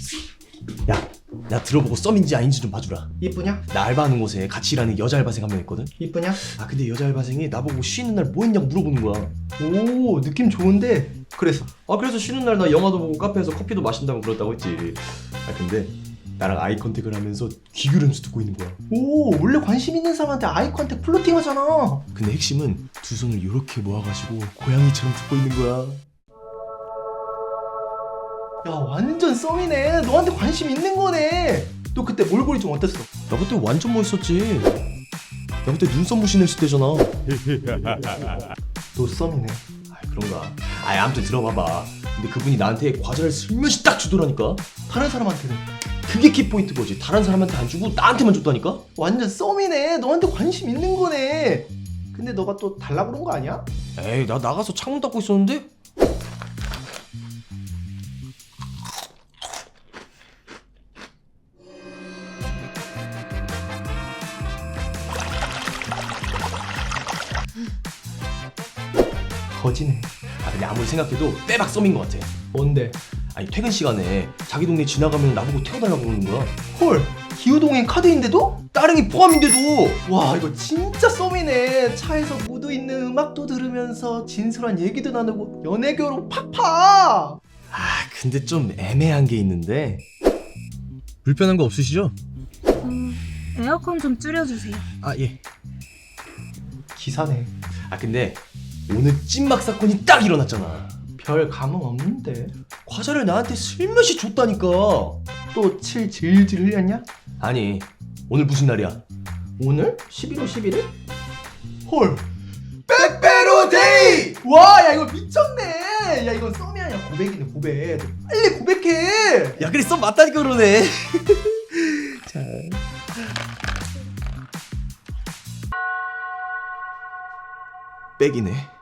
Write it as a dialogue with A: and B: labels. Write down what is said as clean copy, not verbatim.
A: 나 들어보고 썸인지 아닌지 좀 봐주라.
B: 이쁘냐?
A: 나 알바하는 곳에 같이 일하는 여자 알바생 한 명 있거든?
B: 이쁘냐?
A: 근데 여자 알바생이 나보고 쉬는 날 뭐 했냐고 물어보는 거야.
B: 오, 느낌 좋은데. 그래서
A: 그래서 쉬는 날 나 영화도 보고 카페에서 커피도 마신다고 그랬다고 했지. 근데 나랑 아이 컨택을 하면서 귀 기울이면서 듣고 있는 거야.
B: 오, 원래 관심 있는 사람한테 아이 컨택 플로팅 하잖아.
A: 근데 핵심은 두 손을 이렇게 모아가지고 고양이처럼 듣고 있는 거야.
B: 야, 완전 썸이네. 너한테 관심 있는 거네. 너 그때 몰골이 좀 어땠어?
A: 나 그때 완전 멋있었지. 나 그때 눈썹 무신했을 때잖아.
B: 너 썸이네.
A: 그런가. 아무튼 들어봐봐. 근데 그분이 나한테 과자를 슬며시 딱 주더라니까.
B: 다른 사람한테는
A: 그게 키포인트 거지. 다른 사람한테 안 주고 나한테만 줬다니까?
B: 완전 썸이네. 너한테 관심 있는 거네. 근데 너가 또 달라 그런 거 아니야?
A: 에이, 나 나가서 창문 닫고 있었는데?
B: 거지네.
A: 근데 아무리 생각해도 빼박 썸인 것 같아.
B: 뭔데?
A: 퇴근 시간에 자기 동네 지나가면 나보고 태워달라고 그러는 거야.
B: 헐, 기후동행 카드인데도?
A: 따릉이 포함인데도.
B: 와, 이거 진짜 썸이네. 차에서 무드 있는 음악도 들으면서 진솔한 얘기도 나누고 연애교로 팍팍.
A: 근데 좀 애매한 게 있는데. 불편한 거 없으시죠?
C: 에어컨 좀 줄여주세요.
A: 예.
B: 기사네.
A: 근데 오늘 찐막 사건이 딱 일어났잖아.
B: 별 감흥 없는데.
A: 과자를 나한테 슬며시 줬다니까.
B: 또 칠 질질 흘렸냐?
A: 아니, 오늘 무슨 날이야?
B: 오늘? 11월 11일? 헐, 빼빼로 데이! 와, 야, 이거 미쳤네. 야, 이건 썸이 아니야. 고백이네, 고백. 빨리 고백해.
A: 야, 그래, 썸 맞다니까 그러네. 자. 백이네.